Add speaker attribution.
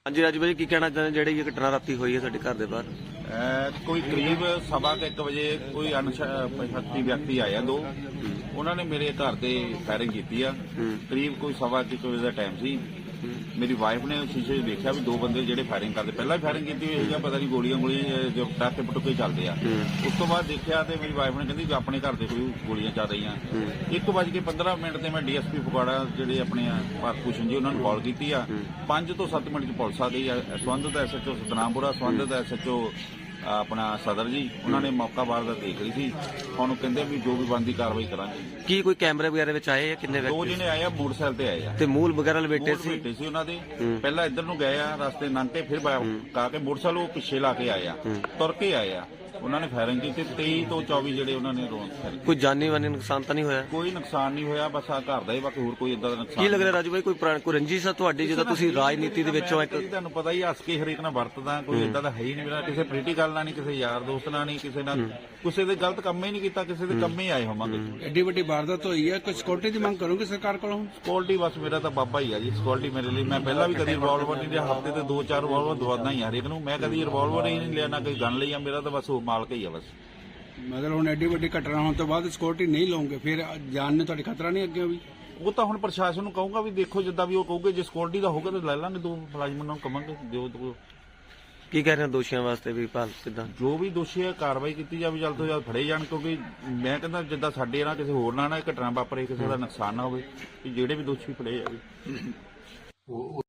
Speaker 1: हाँ जी राजू भाई की कहना चाहते जी घटना राती हुई है साडे घर दे बाहर?
Speaker 2: कोई करीब 1:15 बजे कोई अनशक्ति व्यक्ति आया दो, उन्होंने मेरे घर से फायरिंग की है। करीब कोई 1:15 बजे का टाइम सी। मेरी वाइफ ने शीशे देखा भी दो बंदे जेडे फायरिंग करते, पहला फायरिंग की हुई है, पता नहीं गोलियां जो पटाखे पटुके चलते हैं। उस तो बाद देखा तो मेरी वाइफ ने कहती अपने घर से कोई गोलियां चल रही हैं। 1:15 से मैं DSP फगवाड़ा जेडे अपने भारत भूषण जी उन्होंने कॉल की है। 5 ਤੋਂ 7 मिनट पुलिस आ गई है। संबंधित SHO सतनामपुरा, संबंधित SHO अपना सदर जी उन्होंने मौका वारदात देख ली थी। हम कहते भी जो भी बनती कार्रवाई करांगे।
Speaker 1: की कोई कैमरे वगैरह विच आए किन्ने
Speaker 2: दो जने आए आ, मोटरसाइकिल ते आए आ
Speaker 1: ते मूल वगैरह लपेटे सी
Speaker 2: उन्हों दे। पहला इधर नूं गए आ रस्ते लंघ के, फिर का के मोटरसाइकिल पिछे ला के आए आ, तुर के आए आ। उन्होंने फायरिंग की 23 ਤੋਂ 24 ਜਿਹੜੇ ਉਹਨਾਂ ਨੇ
Speaker 1: कोई जानी वानी नुकसान तो नहीं होया?
Speaker 2: कोई नुकसान नहीं होया, बस आ घर ਦਾ ਹੀ, ਬਾਕੀ ਹੋਰ ਕੋਈ ਇਦਾਂ ਦਾ ਨੁਕਸਾਨ
Speaker 1: ਕੀ ਲੱਗ ਰਿਹਾ ਰਾਜੂ ਭਾਈ ਕੋਈ ਕੋਈ ਰੰਜਿਸ਼ ਆ ਤੁਹਾਡੀ ਜਦੋਂ ਤੁਸੀਂ ਰਾਜਨੀਤੀ ਦੇ ਵਿੱਚੋਂ ਇੱਕ?
Speaker 2: ਤੁਹਾਨੂੰ ਪਤਾ ਹੀ ਹੱਸ ਕੇ ਹਰੇਕ ਨਾਲ ਵਰਤਦਾ, ਕੋਈ ਇਦਾਂ ਦਾ ਹੈ ਹੀ ਨਹੀਂ ਮੇਰਾ, ਕਿਸੇ ਪੋਲੀਟੀਕਲ ਨਾਲ ਨਹੀਂ, ਕਿਸੇ ਯਾਰ ਦੋਸਤ ਨਾਲ ਨਹੀਂ, ਕਿਸੇ ਨਾਲ ਕਿਸੇ ਦੇ ਗਲਤ ਕੰਮ ਹੀ ਨਹੀਂ ਕੀਤਾ, ਕਿਸੇ ਦੇ ਕੰਮ ਹੀ ਆਏ ਹੋਵਾਂਗੇ।
Speaker 3: ਐਡੀ ਵੱਡੀ ਵਾਰਦਾਤ ਹੋਈ ਹੈ, ਕੋਈ ਸਿਕਿਉਰਿਟੀ ਦੀ ਮੰਗ ਕਰੋਗੇ ਸਰਕਾਰ ਕੋਲੋਂ?
Speaker 2: ਸਿਕਿਉਰਿਟੀ ਬਸ ਮੇਰਾ ਤਾਂ ਬਾਬਾ ਹੀ ਆ ਜੀ, ਸਿਕਿਉਰਿਟੀ ਮੇਰੇ ਲਈ। ਮੈਂ ਪਹਿਲਾਂ ਵੀ ਕਦੀ ਰਿਵਾਲਵਰ ਨਹੀਂ ਲਿਆ, ਹਫ਼ਤੇ ਤੇ 2-4 ਰਿਵਾਲਵਰ ਦਵਾਦਾ ਹੀ ਹਰੇਕ ਨੂੰ। ਮੈਂ ਕਦੀ ਰਿਵਾਲਵਰ ਹੀ ਨਹੀਂ ਲਿਆ, ਨਾ ਕੋਈ ਗਨ ਲਈ ਆ। ਮੇਰਾ ਤਾਂ ਬਸ ਉਹ ਮਾਲਕ ਹੀ ਆ ਬਸ।
Speaker 3: ਮਗਰ ਹੁਣ ਐਡੀ ਵੱਡੀ ਘਟਨਾ ਹੋਣ ਤੋਂ ਬਾਅਦ ਸਿਕਿਉਰਿਟੀ ਨਹੀਂ ਲਓਗੇ, ਫਿਰ ਜਾਨ ਨੂੰ ਤੁਹਾਡੀ ਖਤਰਾ ਨਹੀਂ ਅੱਗੇ ਵੀ?
Speaker 2: ਉਹ ਤਾਂ ਹੁਣ ਪ੍ਰਸ਼ਾਸਨ ਨੂੰ ਕਹੂੰਗਾ ਵੀ ਦੇਖੋ ਜਿੱਦਾਂ ਵੀ ਉਹ ਕਹੂਗੇ, ਜੇ ਸਿਕਿਉਰਿਟੀ ਦਾ ਹੋਊਗਾ ਤਾਂ ਲੈ ਲਾਂਗੇ, ਦੋ ਮੁਲਾਜ਼ਮਾਂ ਨੂੰ ਕਵਾਂਗੇ ਜੋ
Speaker 1: ਕੀ ਕਹਿ ਰਹੇ ਹੋ ਦੋਸ਼ੀਆਂ ਵਾਸਤੇ ਵੀ ਭਾਲ ਕਿਦਾਂ
Speaker 2: ਜੋ ਵੀ ਦੋਸ਼ੀ ਹੈ ਕਾਰਵਾਈ ਕੀਤੀ ਜਾਵੇ, ਜਲਦ ਤੋਂ ਜਲਦ ਫੜੇ ਜਾਣ। ਕਿਉਂਕਿ ਮੈਂ ਕਹਿੰਦਾ ਜਿੱਦਾਂ ਸਾਡੇ ਨਾਲ ਕਿਸੇ ਹੋਰ ਨਾਲ ਨਾ ਘਟਨਾ ਵਾਪਰੇ, ਕਿਸੇ ਦਾ ਨੁਕਸਾਨ ਨਾ ਹੋਵੇ, ਜਿਹੜੇ ਵੀ ਦੋਸ਼ੀ ਫੜੇ ਜਾਵੇ।